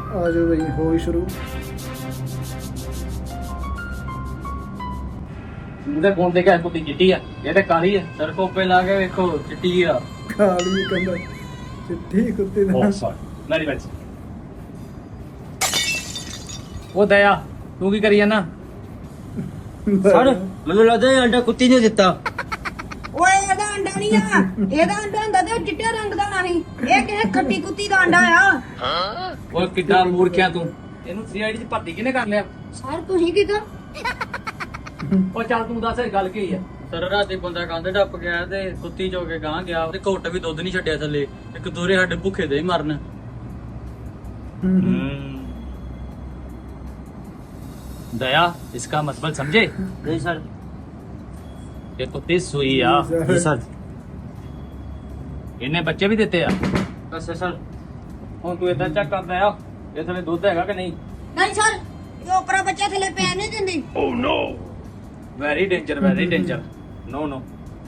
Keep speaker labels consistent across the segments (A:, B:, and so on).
A: ਆ ਜਾਓ ਬਈ, ਹੋ ਹੀ ਸ਼ੁਰੂ।
B: ਉਹਦੇ ਕੋਲ ਦੇਖਿਆ ਕੁੱਤੀ ਚਿੱਟੀ ਆ, ਇਹ ਤੇ ਕਾਲੀ ਆ। ਸਰ ਕੋਪੇ ਲਾ ਕੇ ਵੇਖੋ ਚਿੱਟੀ ਆ।
A: ਕਾਲੀ ਕੰਦਾ ਚਿੱਟੀ ਕੁੱਤੀ ਦਾ।
B: ਬਹੁਤ ਸਾਰ ਮੇਰੀ ਬੈਠ। ਉਹ ਦਇਆ ਤੂੰ ਕੀ ਕਰੀ ਜਾਣਾ?
C: ਸਰ ਮੈਨੂੰ ਲੱਗਦਾ ਇਹ ਅੰਡਾ ਕੁੱਤੀ ਨੇ ਦਿੱਤਾ।
D: ਓਏ ਇਹਦਾ ਅੰਡਾ ਨਹੀਂ ਆ, ਇਹਦਾ ਅੰਡਾ ਹੁੰਦਾ ਤੇ ਚਿੱਟੇ ਰੰਗ ਦਾ ਨਹੀਂ, ਇਹ ਕਿਸੇ ਖੱਟੀ ਕੁੱਤੀ ਦਾ ਅੰਡਾ ਆ।
B: ਓਏ ਕਿੱਡਾ ਮੂਰਖਿਆ ਤੂੰ, ਇਹਨੂੰ ਸੀਆਈਡੀ ਚ ਭਰਤੀ ਕਿਹਨੇ ਕਰ ਲਿਆ?
D: ਸਰ ਤੁਸੀਂ ਕਿਦਾਂ?
B: ਉਹ ਚੱਲ ਤੂੰ ਦੱਸ ਇਹ ਗੱਲ ਕੀ ਆ? ਸਰ ਰਾਤੀ ਬੰਦਾ ਕੰਧ ਟੱਪ ਗਿਆ ਤੇ ਕੁੱਤੀ ਚੋ ਕੇ ਗਾਂ ਗਿਆ ਤੇ ਘੁੱਟ ਵੀ ਦੁੱਧ ਨਹੀਂ ਛੱਡਿਆ ਥੱਲੇ। ਇੱਕ ਦੋਰੇ ਸਾਡੇ ਭੁੱਖੇ ਦੇ ਹੀ ਮਰਨ। दया इसका मतलब समझे?
C: नहीं सर।
B: ये कुत्ती सुई आ।
C: जी सर।
B: इन्हें बच्चे भी देते आ।
C: बस सर।
B: ਹੁਣ ਤੂੰ ਇਦਾਂ ਚੈੱਕ ਕਰਦਾ ਆ ਇਹ ਥਲੇ ਦੁੱਧ ਹੈਗਾ ਕਿ ਨਹੀਂ?
D: ਨਹੀਂ ਸਰ, ਇਹ ਉਪਰਾ ਬੱਚਾ ਥੱਲੇ ਪੈਣ ਨਹੀਂ ਦਿੰਦੀ।
B: Oh no, very danger, very danger. No no,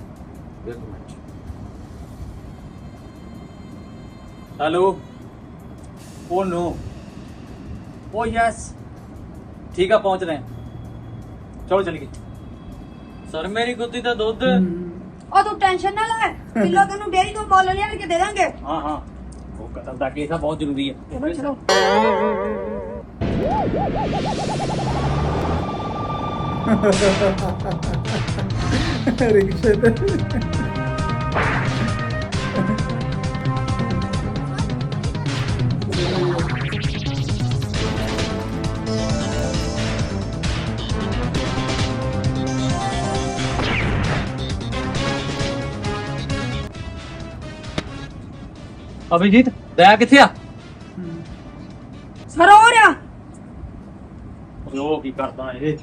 B: hello. Oh no, oh yes, ठीक है पहुंच रहे हैं। चलो चल गए। सर मेरी कुत्ती का दूध।
D: ਉਹ ਤੂੰ ਟੈਨਸ਼ਨ ਨਾ ਲੈ, ਕਿਲੋ ਤੈਨੂੰ ਡੇਰੀ ਤੋਂ ਮੁੱਲ ਲਿਆ ਕੇ ਦੇ ਦਾਂਗੇ।
B: हाँ हाँ, वो कतल का केस है, बहुत जरूरी है।
D: ਚਲੋ
A: ਰਿਕਸ਼ੇ ਤੇ
B: अभिजीत दया किथे आ?
D: ਸਰ ਹੋ ਰਿਹਾ।
B: ਉਹ ਕੀ ਕਰਦਾ ਇਹ?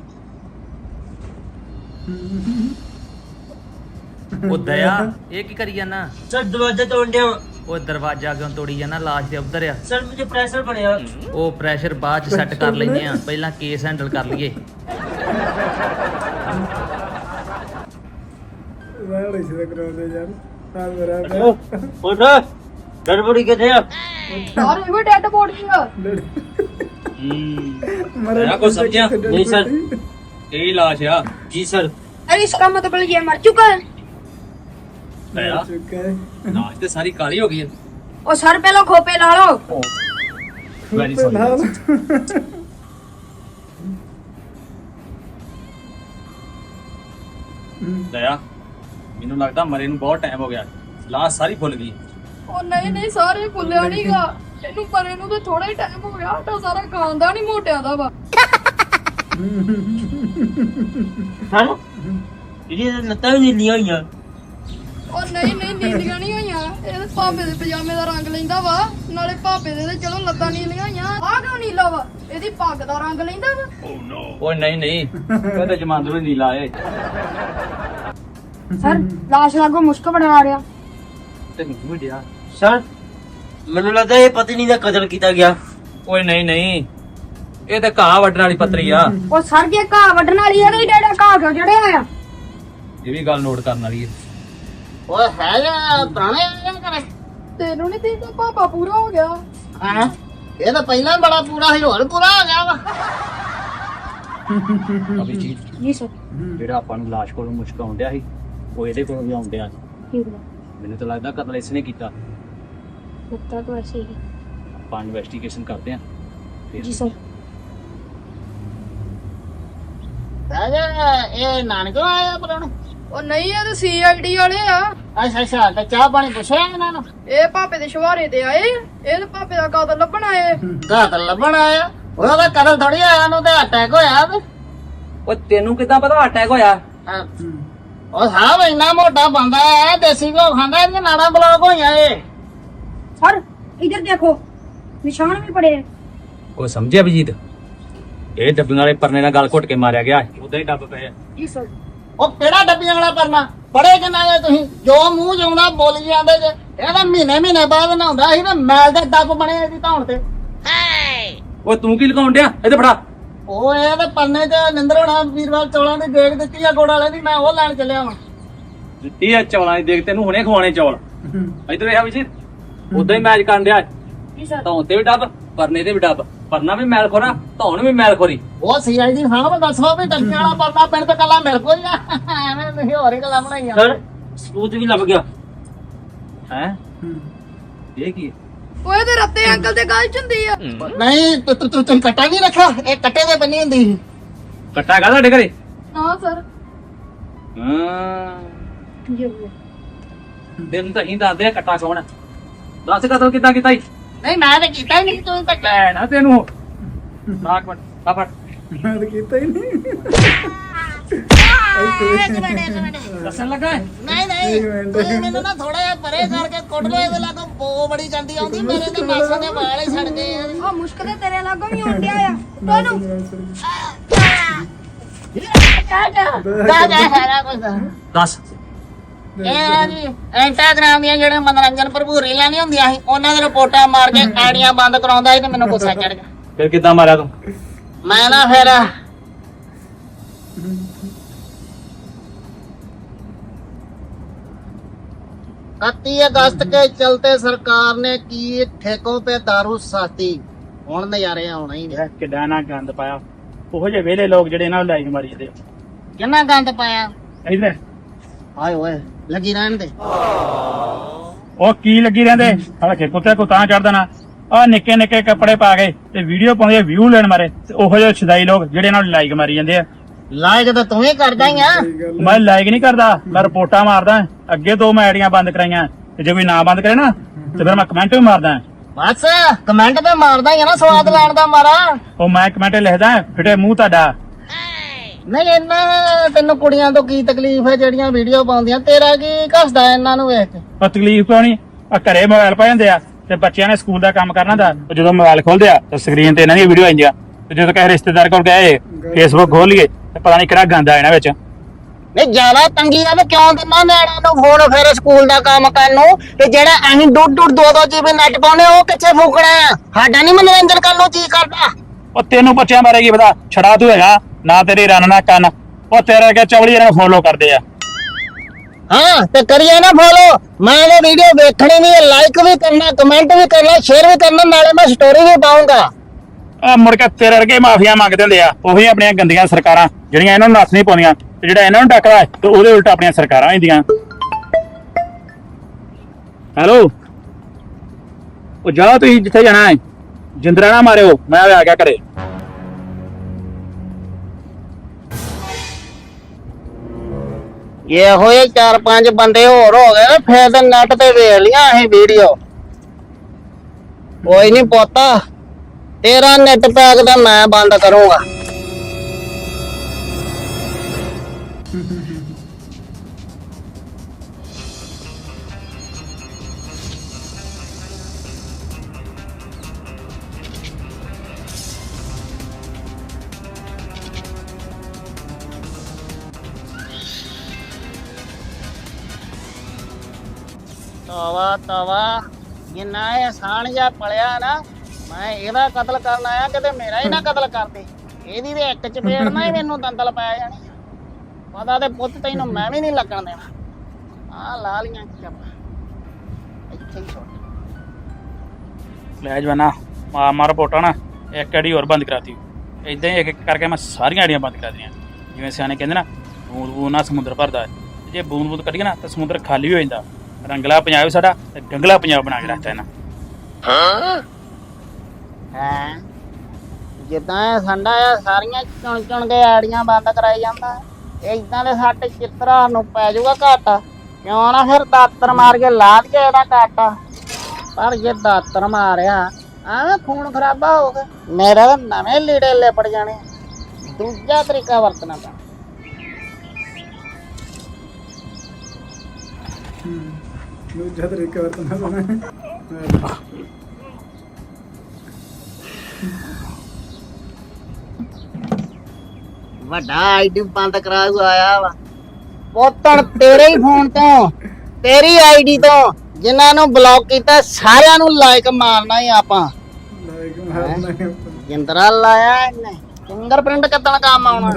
E: ਉਹ ਦਇਆ ਇਹ ਕੀ ਕਰੀ ਜਾਣਾ?
C: सर दरवाजा तोड़ दिया।
E: ਉਹ ਦਰਵਾਜ਼ਾ ਕਿਉਂ ਤੋੜੀ ਜਾਣਾ? ਲਾਸ਼ ਦੇ ਉੱਧਰ ਆ।
C: सर मुझे प्रेशर बढ़िया।
E: ਉਹ ਪ੍ਰੈਸ਼ਰ ਬਾਅਦ ਚ ਸੈੱਟ ਕਰ ਲੈਂਦੇ ਆ, ਪਹਿਲਾਂ ਕੇਸ ਹੈਂਡਲ ਕਰ ਲਈਏ।
A: ਵਾਲੇ ਸਿੱਧਾ ਕਰਾਉਂਦੇ ਯਾਰ। ਆ ਮੇਰਾ
C: उठ गड़बड़ी के थे।
D: ਸਰ ਇਹ ਵੀ ਡੈਡ ਬੋਡੀ ਆ।
B: दया को समझा
C: नहीं सर।
B: यही लाश आ।
C: जी सर।
D: अरे इसका मतलब ये मर चुका है।
B: दया
A: ਚੁੱਕਾ है।
B: लाश तो सारी काली हो गई है।
D: और सर पहले खोपे ला लो।
B: Very sorry. दया ਮੈਨੂੰ ਲੱਗਦਾ ਮਰੇ ਨੂੰ ਬਹੁਤ ਟਾਈਮ ਹੋ ਗਿਆ। ਲਾਸ਼ ਸਾਰੀ ਫੁੱਲ ਗਈ।
F: ਉਹ ਨਹੀਂ ਨਹੀਂ ਸਾਰੇ ਭੁੱਲਿਆ ਨਹੀਂਗਾ, ਇਹਨੂੰ ਪਰੇ ਨੂੰ ਤਾਂ ਥੋੜਾ ਹੀ ਟਾਈਮ ਹੋ ਗਿਆ। ਆਟਾ ਸਾਰਾ ਖਾਂਦਾ ਨਹੀਂ ਮੋਟਿਆਂ ਦਾ ਵਾ।
C: सर ये लता भी नहीं लिया यार।
F: ਉਹ ਨਹੀਂ ਨਹੀਂ ਨੀਲੀਆਂ ਨਹੀਂ ਹੋਈਆਂ, ਇਹ ਭਾਪੇ ਦੇ ਪਜਾਮੇ ਦਾ ਰੰਗ ਲੈਂਦਾ ਵਾ, ਨਾਲੇ ਭਾਪੇ ਦੇ ਤੇ ਚਲੋ ਲੱਤਾਂ ਨੀਲੀਆਂ ਹੋਈਆਂ। ਆਹ ਕਿਉਂ ਨੀਲਾ ਵਾ? ਇਹਦੀ ਪੱਗ ਦਾ ਰੰਗ ਲੈਂਦਾ ਵਾ।
B: ਓਏ ਨਹੀਂ ਨਹੀਂ, ਕਹਿੰਦੇ ਜਮਾਂਦਰੂ ਹੀ ਨੀਲਾ ਏ।
D: सर लाश लागो मुश्क बना रहा।
B: ਤੈਨੂੰ ਵੀ ਡਿਆ।
C: सर ਮੈਨੂੰ ਲੱਗਦਾ ਇਹ ਪਤਨੀ ਦਾ ਕਤਲ ਕੀਤਾ ਗਿਆ।
B: ਓਏ ਨਹੀਂ ਨਹੀਂ, ਇਹ ਤਾਂ ਘਾਹ ਵੱਢਣ ਵਾਲੀ ਪੱਤਰੀ ਆ।
D: ਉਹ ਸਰ ਜੇ ਘਾਹ ਵੱਢਣ ਵਾਲੀ ਆ ਤੇ ਡੇੜਾ ਘਾਹ ਕਿਉਂ ਚੜਿਆ ਆ?
B: ਇਹ ਵੀ ਗੱਲ ਨੋਟ ਕਰਨ ਵਾਲੀ ਹੈ।
C: ਓਏ ਹੈ ਜਾਂ ਪੁਰਾਣੇ ਆ ਕਰੇ।
F: ਤੈਨੂੰ ਨਹੀਂ ਤੇ ਪਾਪਾ ਪੂਰਾ ਹੋ ਗਿਆ।
C: ਹਾਂ ਇਹ ਤਾਂ ਪਹਿਲਾਂ ਬੜਾ ਪੂਰਾ ਸੀ, ਹੋਰ ਪੂਰਾ ਹੋ ਗਿਆ ਵਾ।
B: ਅਭਿਜੀਤ
D: जी सर।
B: ਜਿਹੜਾ ਆਪਾਂ ਨੂੰ ਲਾਸ਼ ਕੋਲੋਂ ਮੁਸ਼ਕ ਆਉਂਦਿਆ ਸੀ, ਉਹ ਇਹਦੇ ਕੋਲੋਂ ਵੀ ਆਉਂਦਿਆ ਸੀ।
D: ठीक है,
B: ਮੈਨੂੰ ਤਾਂ ਲੱਗਦਾ ਕਤਲ ਇਸਨੇ ਕੀਤਾ।
D: लगता तो ऐसे ही है।
B: ਆਪਾਂ ਇਨਵੈਸਟੀਗੇਸ਼ਨ ਕਰਦੇ ਆਂ ਫਿਰ।
D: जी सर।
C: ਰਾਜਾ ਇਹ ਨਾਨਕੋਂ ਆਇਆ ਪਰਾਉਣੇ।
F: ਉਹ ਨਹੀਂ ਇਹ ਤਾਂ ਸੀਆਈਡੀ ਵਾਲੇ ਆ।
C: ਅੱਛਾ ਅੱਛਾ ਤੇ ਚਾਹ ਪਾਣੀ ਪੁੱਛਿਆ ਇਹਨਾਂ ਨੂੰ।
F: ਇਹ ਭਾਪੇ ਦੇ ਸ਼ਵਾਰੇ ਤੇ ਆਏ, ਇਹ ਤਾਂ ਭਾਪੇ ਦਾ ਕਾਤਲ ਲੱਭਣ ਆਏ।
C: ਕਤਲ ਲੱਭਣ ਆਇਆ। ਉਹਦਾ ਕਤਲ ਥੋੜੀ ਆਇਆ, ਨੂੰ ਤੇ ਅਟੈਕ ਹੋਇਆ ਤੇ।
B: ਓਏ ਤੈਨੂੰ ਕਿੱਦਾਂ ਪਤਾ ਅਟੈਕ ਹੋਇਆ?
C: ਹਾਂ। ਉਹ ਸਾਹਿਬ ਇੰਨਾ ਮੋਟਾ ਬੰਦਾ ਹੈ, ਦੇਸੀ ਘਿਓ ਖਾਂਦਾ, ਇਹਦੀਆਂ ਨਾੜਾਂ ਬਲੌਕ ਹੋਈਆਂ ਏ।
D: सर इधर देखो, निशान भी पड़े हैं।
B: ਉਹ ਸਮਝਿਆ ਅਭਿਜੀਤ? ਇਹ ਡੱਬੀਆਂ ਵਾਲੇ ਪਰਨੇ ਨਾਲ ਗਲ ਘੁੱਟ ਕੇ ਮਾਰਿਆ ਗਿਆ। ਉਦਾਂ ਹੀ ਡੱਬ ਪਏ ਆ।
D: जी सर।
C: ਉਹ ਕਿਹੜਾ ਡੱਬੀਆਂ ਵਾਲਾ ਪਰਨਾ ਪੜੇ ਕਿੰਨਾ ਜੇ ਤੁਸੀਂ? ਜੋ ਮੂੰਹ ਜਾਉਂਦਾ ਬੋਲੀ ਜਾਂਦੇ ਜੇ। ਇਹ ਤਾਂ ਮਹੀਨੇ ਮਹੀਨੇ ਬਾਅਦ ਨਹਾਉਂਦਾ ਸੀ ਤੇ ਮੈਲ ਦੇ ਡੱਬ ਬਣੇ ਇਹਦੀ ਧੌਣ ਤੇ।
B: ਓਏ ਤੂੰ ਕੀ ਲਗਾਉਣ ਡਿਆ? ਇੱਥੇ ਫੜਾ।
C: ਉਹ ਇਹ ਤਾਂ ਪਰਨੇ ਚ ਨਿੰਦਰ ਹੋਣਾ ਵੀਰਵਾਲ ਚੌਲਾਂ ਦੀ ਦੇਖ ਦਿੱਤੀ ਆ ਗੋੜ ਵਾਲੇ ਦੀ, ਮੈਂ ਉਹ ਲੈਣ ਚੱਲਿਆ ਵਾਂ।
B: ਦਿੱਤੀ ਆ ਚੌਲਾਂ ਦੀ ਦੇਖ, ਤੈਨੂੰ ਹੁਣੇ ਖਵਾਣੇ ਚੌਲ। ਇੱਧਰ ਵੇਖ ਅਭਿਜੀਤ, ਉਦਾਂ ਹੀ ਮੈਚ ਕਰਨ ਡਿਆ।
D: जी सर।
B: ਧੌਣ ਤੇ ਵੀ ਡੱਬ, ਪਰਨੇ ਤੇ ਵੀ ਡੱਬ, ਪਰਨਾ ਵੀ ਮੈਲ ਖੋਰਾ, ਧੌਣ ਵੀ ਮੈਲ ਖੋਰੀ।
C: ਉਹ ਸੀਆਈਡੀ ਸਾਹਿਬ ਦੱਸੋ ਵੀ ਟੱਕੀਆਂ ਵਾਲਾ ਪਰਨਾ ਪਿੰਡ ਤੇ ਕੱਲਾ ਮੇਰੇ ਕੋਲ ਹੀ ਆ। ਐਵੇਂ ਤੁਸੀਂ ਹੋਰ ਹੀ ਗੱਲਾਂ ਬਣਾਈਆਂ।
B: ਸਰ ਸੂਤ ਵੀ ਲੱਭ ਗਿਆ ਹੈ। ਇਹ ਕੀ ਹੈ?
F: ਓਏ ਤੇ ਰੱਤੇ ਅੰਕਲ ਦੇ ਗੱਲ ਚ ਹੁੰਦੀ ਆ।
C: ਨਹੀਂ ਤੂੰ ਕੱਟਾ ਨਹੀਂ ਰੱਖਾ, ਇਹ ਕੱਟੇ ਦੇ ਬੰਨੀ ਹੁੰਦੀ ਸੀ।
B: ਕੱਟਾ ਕਾ ਤੁਹਾਡੇ ਘਰੇ?
F: ਹਾਂ ਸਰ।
B: ਹਾਂ ਦਿਨ ਤਾਂ ਹੀ ਦੱਸਦੇ ਆ ਕੱਟਾ ਕੌਣ ਹੈ। ਦੱਸ ਕਦੋਂ ਕਿੱਦਾਂ ਕੀਤਾ ਈ?
C: ਨਹੀਂ ਮੈਂ ਤਾਂ ਕੀਤਾ ਹੀ ਨਹੀਂ, ਤੂੰ ਤਾਂ
B: ਲੈ ਨਾ ਤੈਨੂੰ ਨਾਕ ਮਟ ਆ ਫੜ।
A: ਮੈਂ ਤਾਂ ਕੀਤਾ ਹੀ ਨਹੀਂ।
C: ਇੱਕ ਮਿੰਟ
B: ਦੱਸਣ ਲੱਗਾ ਹੈ?
C: ਨਹੀਂ
A: ਇੱਕ ਮਿੰਟ।
C: ਤੂੰ ਮੈਨੂੰ ਨਾ ਥੋੜਾ ਜਿਹਾ ਪਰੇ ਕਰਕੇ ਕੁੱਟ ਲੋ, ਇਹਦੇ ਲਾਗੋਂ ਬੋ ਬੜੀ ਜਾਂਦੀ ਆਉਂਦੀ, ਮੇਰੇ ਤੇ ਮਾਸਾਂ ਦੇ ਵਾਲ ਹੀ ਸੜ ਗਏ ਆ।
F: ਆ ਮੁਸ਼ਕਲ ਤੇਰੇ ਲਾਗੋਂ ਵੀ ਆਉਣ ਡਿਆ ਆ ਤੁਹਾਨੂੰ।
C: ਜਾ ਸਾਰਾ ਕੁਝ
B: ਦੱਸ।
C: ਇਹ ਜੀ ਇੰਸਟਾਗ੍ਰਾਮ ਦੀਆਂ ਜਿਹੜੇ ਮਨੋਰੰਜਨ ਭਰਪੂਰ ਰੀਲਾਂ ਨਹੀਂ ਹੁੰਦੀਆਂ ਸੀ, ਉਹਨਾਂ ਦੇ ਰਿਪੋਰਟਾਂ ਮਾਰ ਕੇ ਆਈਡੀਆਂ ਬੰਦ ਕਰਾਉਂਦਾ ਸੀ ਤੇ ਮੈਨੂੰ ਗੁੱਸਾ ਚੜ ਗਿਆ।
B: ਫਿਰ ਕਿੱਦਾਂ ਮਾਰਿਆ ਤੂੰ?
C: मैं ना फिर 31 अगस्त के चलते सरकार ने की ठेकों पे दारू सस्ती। ਹੁਣ ਨਜ਼ਾਰੇ ਆਉਣਾ ਹੀ ਨੇ।
G: ਕਿੱਡਾ ਨਾ ਗੰਦ ਪਾਇਆ, ਉਹੋ ਜਿਹੇ ਵਿਹਲੇ ਲੋਕ ਜਿਹੜੇ ਇਹਨਾਂ ਨੂੰ ਲਾਈਕ ਮਾਰੀ ਜਾਂਦੇ।
C: ਕਿੰਨਾ ਗੰਦ ਪਾਇਆ।
G: ਇਧਰ
C: ਹਾਏ ਓਏ ਲੱਗੀ ਰਹਿਣ ਦੇ।
G: ਉਹ ਕੀ ਲੱਗੀ ਰਹਿੰਦੇ, ਹਲਕੇ ਕੁੱਤੇ ਕੋ ਤਾਂ ਚੜ ਦੇਣਾ। ਆ ਨਿੱਕੇ ਨਿੱਕੇ ਕੱਪੜੇ ਪਾ ਕੇ ਤੇ ਵੀਡੀਓ ਪਾਉਂਦੇ, ਵਿਊ ਲੈਣ ਮਾਰੇ, ਤੇ ਉਹੋ ਜਿਹੇ ਛਦਾਈ ਲੋਕ ਜਿਹੜੇ ਇਹਨਾਂ ਨੂੰ ਲਾਈਕ ਮਾਰੀ ਜਾਂਦੇ ਆ।
C: ਲਾਇਕ ਤਾਂ ਤੂੰ ਹੀ ਕਰਦਾ ਹੀ ਆ।
G: ਮੈਂ ਲਾਈਕ ਨਹੀਂ ਕਰਦਾ, ਮੈਂ ਰਿਪੋਰਟਾਂ ਮਾਰਦਾ। ਅੱਗੇ 2 ਮੈਂ ਆਈਡੀਆਂ ਬੰਦ ਕਰਾਈਆਂ, ਤੇ ਜੇ ਕੋਈ ਨਾ ਬੰਦ ਕਰੇ ਨਾ ਤੇ ਫਿਰ ਮੈਂ ਕਮੈਂਟ ਵੀ ਮਾਰਦਾ।
C: ਬਸ ਕਮੈਂਟ ਤੇ ਮਾਰਦਾ ਹੀ ਆ ਨਾ, ਸਵਾਦ ਲੈਣ ਦਾ ਮਾਰਾ।
G: ਉਹ ਮੈਂ ਕਮੈਂਟ ਲਿਖਦਾ, ਫਿੱਟੇ ਮੂੰਹ ਤੁਹਾਡਾ।
C: ਨਹੀਂ ਇਹਨਾਂ ਤੈਨੂੰ ਕੁੜੀਆਂ ਤੋਂ ਕੀ ਤਕਲੀਫ ਹੈ ਜਿਹੜੀਆਂ ਵੀਡੀਓ ਪਾਉਂਦੀਆਂ, ਤੇਰਾ ਕੀ ਘਸਦਾ ਇਹਨਾਂ ਨੂੰ ਵੇਖ ਕੇ।
G: ਉਹ ਤਕਲੀਫ ਕਿਉਂ ਨਹੀਂ, ਆ ਘਰੇ ਮੋਬਾਈਲ ਪਾ ਜਾਂਦੇ ਆ ਤੇ ਬੱਚਿਆਂ ਨੇ ਸਕੂਲ ਦਾ ਕੰਮ ਕਰਨਾ ਦਾ, ਜਦੋਂ ਮੋਬਾਈਲ ਖੋਲਦੇ ਆ ਤਾਂ ਸਕਰੀਨ ਤੇ ਇਹਨਾਂ ਦੀ ਵੀਡੀਓ ਆਉਂਦੀਆਂ। ਤੇ ਜਦੋਂ ਕਿਸੇ ਰਿਸ਼ਤੇਦਾਰ ਕੋਲ ਗਏ ਫੇਸਬੁੱਕ ਖੋਲ ਲਈਏ ਤੇ ਪਤਾ ਨਹੀਂ ਕਿਹੜਾ ਗੰਦ ਆ ਇਹਨਾਂ ਵਿੱਚ।
C: ਨਹੀਂ ਜ਼ਿਆਦਾ ਤੰਗੀ ਆ ਤੇ ਕਿਉਂ ਦਿੰਦਾ ਨਿਆਣਿਆਂ ਨੂੰ ਫੋਨ ਫਿਰ ਸਕੂਲ ਦਾ ਕੰਮ ਕਰਨ ਨੂੰ, ਤੇ ਜਿਹੜਾ ਅਸੀਂ ਡੁੱਡ 2 GB ਨੈਟ ਪਾਉਣੇ ਉਹ ਕਿੱਥੇ ਫੂਕਣਾ ਆ। ਸਾਡਾ ਨਹੀਂ ਮਨੋਰੰਜਨ ਕਰਨ ਨੂੰ ਜੀ ਕਰਦਾ।
G: ਉਹ ਤੈਨੂੰ ਬੱਚਿਆਂ ਬਾਰੇ ਕੀ ਪਤਾ, ਛੜਾ ਤੂੰ ਹੈਗਾ ਨਾ, ਤੇਰੀ ਰੰਨ ਨਾ ਕੰਨ। ਉਹ ਤੇਰੇ ਅੱਗੇ ਚਵਲੀ ਇਹਨਾਂ ਨੂੰ ਫੋਲੋ ਕਰਦੇ ਆ।
C: ਹਾਂ ਤੇ ਕਰੀਏ ਨਾ ਫੋਲੋ। ਮੈਂ ਇਹ ਵੀਡੀਓ ਵੇਖਣੀ ਨਹੀਂ, ਲਾਈਕ ਵੀ ਕਰਨਾ, ਕਮੈਂਟ ਵੀ ਕਰਨਾ, ਸ਼ੇਅਰ ਵੀ ਕਰਨਾ, ਨਾਲੇ ਮੈਂ ਸਟੋਰੀ ਵੀ ਪਾਉਂਗਾ।
G: ਆ ਮੁੜ ਕੇ ਤੇਰੇ ਵਰਗੇ ਮਾਫੀਆ ਮੰਗਦੇ ਹੁੰਦੇ ਆ, ਉਹੀ ਆਪਣੀਆਂ ਗੰਦੀਆਂ ਸਰਕਾਰਾਂ ਜਿਹੜੀਆਂ ਇਹਨਾਂ ਨੂੰ ਨੱਥ ਨਹੀਂ ਪਾਉਂਦੀਆਂ, ਤੇ ਜਿਹੜਾ ਇਹਨਾਂ ਨੂੰ ਡੱਕਦਾ ਤੇ ਉਹਦੇ ਉਲਟ ਆਪਣੀਆਂ ਸਰਕਾਰਾਂ ਹੁੰਦੀਆਂ। ਹੈਲੋ, ਉਹ ਜਾਓ ਤੁਸੀਂ ਜਿੱਥੇ ਜਾਣਾ ਹੈ, ਜਿੰਦਰਾ ਨਾ ਮਾਰਿਓ, ਮੈਂ ਆ ਗਿਆ ਘਰੇ।
C: ਇਹ ਹੋਏ 4-5 ਬੰਦੇ ਹੋਰ ਹੋ ਗਏ ਫਿਰ ਤੇ ਨੈਟ ਤੇ ਵੇਖ ਲਿਆ ਅਸੀਂ ਵੀਡੀਓ। ਕੋਈ ਨਹੀਂ ਪੋਤਾ, ਤੇਰਾ ਨੈਟ ਪੈਕ ਤਾਂ ਮੈਂ ਬੰਦ ਕਰੂੰਗਾ। ਤਵਾ ਜਿੰਨਾ ਇਹ ਸਾਣ ਜਿਹਾ ਪਲਿਆ ਨਾ, ਮੈਂ ਇਹਦਾ ਕਤਲ ਕਰਨ ਆਇਆ, ਕਿਤੇ ਮੇਰਾ ਹੀ ਨਾ ਕਤਲ ਕਰਦੇ। ਇਹਦੀ ਤੇ ਇੱਕ ਚਪੇੜ ਨਾ ਹੀ ਮੈਨੂੰ ਦੰਦਲ ਪੈ ਜਾਣੀ। ਪਤਾ ਤੇ ਪੁੱਤ ਤੈਨੂੰ ਮੈਂ ਵੀ ਨਹੀਂ ਲੱਗਣ ਦੇਣਾ। ਆ ਲਾ ਲੀਆਂ ਚੱਪ ਇੱਥੇ ਹੀ ਛੋਟ।
G: ਲੈ ਜਵਾਨਾ ਮਾਰ ਰਿਪੋਰਟਾਂ ਨਾ ਇੱਕ ਆਈਡੀ ਹੋਰ ਬੰਦ ਕਰਾਤੀ। ਇਦਾਂ ਹੀ ਇੱਕ ਕਰਕੇ ਮੈਂ ਸਾਰੀਆਂ ਆਈਡੀਆਂ ਬੰਦ ਕਰਾ ਦਿੱਤੀਆਂ। ਜਿਵੇਂ ਸਿਆਣੇ ਕਹਿੰਦੇ ਨਾ, ਬੂੰਦ ਬੂੰਦ ਨਾਲ ਸਮੁੰਦਰ ਭਰਦਾ। ਜੇ ਬੂੰਦ ਬੂੰਦ ਕੱਢੀਏ ਨਾ ਤਾਂ ਸਮੁੰਦਰ ਖਾਲੀ ਹੋ ਜਾਂਦਾ। ਰੰਗਲਾ ਪੰਜਾਬ ਸਾਡਾ ਤੇ ਗੰਗਲਾ ਪੰਜਾਬ ਬਣਾ ਕੇ ਰੱਖਤਾ ਇਹਨਾਂ।
C: ਹੈ ਜਿੱਦਾਂ ਇਹ ਸੰਡਾ ਆ, ਸਾਰੀਆਂ ਚੁਣ ਕੇ ਆੜੀਆਂ ਬੰਦ ਕਰਾਈ ਜਾਂਦਾ। ਇਦਾਂ ਦੇ ਸੱਟ ਚਿੱਤਰਾ ਨੂੰ ਪੈ ਜਾਊਗਾ ਘਾਟਾ। ਕਿਉਂ ਨਾ ਫਿਰ ਦਾਤਰ ਮਾਰ ਕੇ ਲਾ ਦਈਏ ਇਹਦਾ ਘਾਟਾ। ਪਰ ਜੇ ਦਾਤਰ ਮਾਰਿਆ ਆ ਖੂਨ ਖਰਾਬਾ ਹੋ ਗਿਆ, ਮੇਰਾ ਤਾਂ ਨਵੇਂ ਲੀੜੇ ਲਿਪੜ ਜਾਣੇ। ਦੂਜਾ ਤਰੀਕਾ ਵਰਤਣਾ ਪੈਣਾ।
A: ਦੂਜਾ ਤਰੀਕਾ ਵਰਤਣਾ ਪੈਣਾ।
C: ਵੱਡਾ ਆਈਡੀ ਬੰਦ ਕਰਾ ਆਇਆ ਵਾ ਪੋਤਣ ਤੇਰੇ ਹੀ ਫੋਨ ਤੋਂ, ਤੇਰੀ ਆਈਡੀ ਤੋਂ। ਜਿਨ੍ਹਾਂ ਨੂੰ ਬਲੌਕ ਕੀਤਾ ਸਾਰਿਆਂ ਨੂੰ ਲਾਈਕ ਮਾਰਨਾ ਹੀ ਆਪਾਂ।
A: ਲਾਈਕ ਮਾਰਨਾ ਹੈ।
C: ਜਿੰਦਰਾ ਲਾਇਆ ਇਹਨੇ, ਫਿੰਗਰਪ੍ਰਿੰਟ ਕੱਢਣ ਕੰਮ ਆਉਣਾ।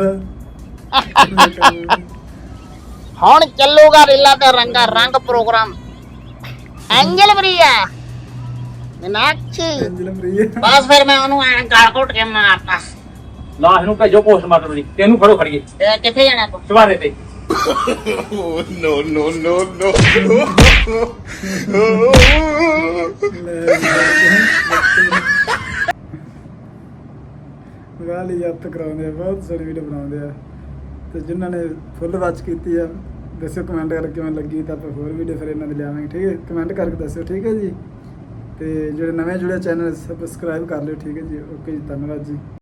C: ਹੁਣ ਚੱਲੂਗਾ ਰੀਲਾ ਤੇ ਰੰਗਾ ਰੰਗ ਪ੍ਰੋਗਰਾਮ। ਐਂਜਲ ਬਰੀਆ ਮੀਨਾਕਸ਼ੀ
A: ਐਂਜਲ ਪ੍ਰਿਆ
C: ਬਸ ਫਿਰ ਮੈਂ ਉਹਨੂੰ ਐਂ ਗਾਲ ਘੁੱਟ ਕੇ ਮਾਰਤਾ।
B: ਲਾਸ਼ ਨੂੰ ਭੇਜੋ ਪੋਸਟਮਾਰਟਮ ਦੀ ਤੈਨੂੰ ਫੜੋ ਖੜੀਏ
C: ਤੇ ਕਿੱਥੇ ਜਾਣਾ ਤੂੰ?
B: ਚਵਾਰੇ ਤੇ
A: ਗਾਲੀ ਯਾਦ ਕਰਾਉਂਦੇ ਆ, ਬਹੁਤ ਸਾਰੀ ਵੀਡੀਓ ਬਣਾਉਂਦੇ ਆ। ਤੇ ਜਿਨ੍ਹਾਂ ਨੇ ਫੁੱਲ ਵਾਚ ਕੀਤੀ ਆ ਦੱਸਿਓ ਕਮੈਂਟ ਕਰਕੇ ਕਿਵੇਂ ਲੱਗੀ, ਤਾਂ ਆਪਾਂ ਹੋਰ ਵੀਡੀਓ ਫਿਰ ਇਹਨਾਂ ਦੀ ਲਿਆਵਾਂਗੇ। ਠੀਕ ਹੈ, ਕਮੈਂਟ ਕਰਕੇ ਦੱਸਿਓ। ਠੀਕ ਹੈ ਜੀ। ਤੇ ਜਿਹੜੇ ਨਵੇਂ ਜੁੜੇ ਚੈਨਲ ਸਬਸਕ੍ਰਾਈਬ ਕਰ ਲਿਓ। ਠੀਕ ਹੈ ਜੀ। ਓਕੇ ਜੀ, ਧੰਨਵਾਦ ਜੀ।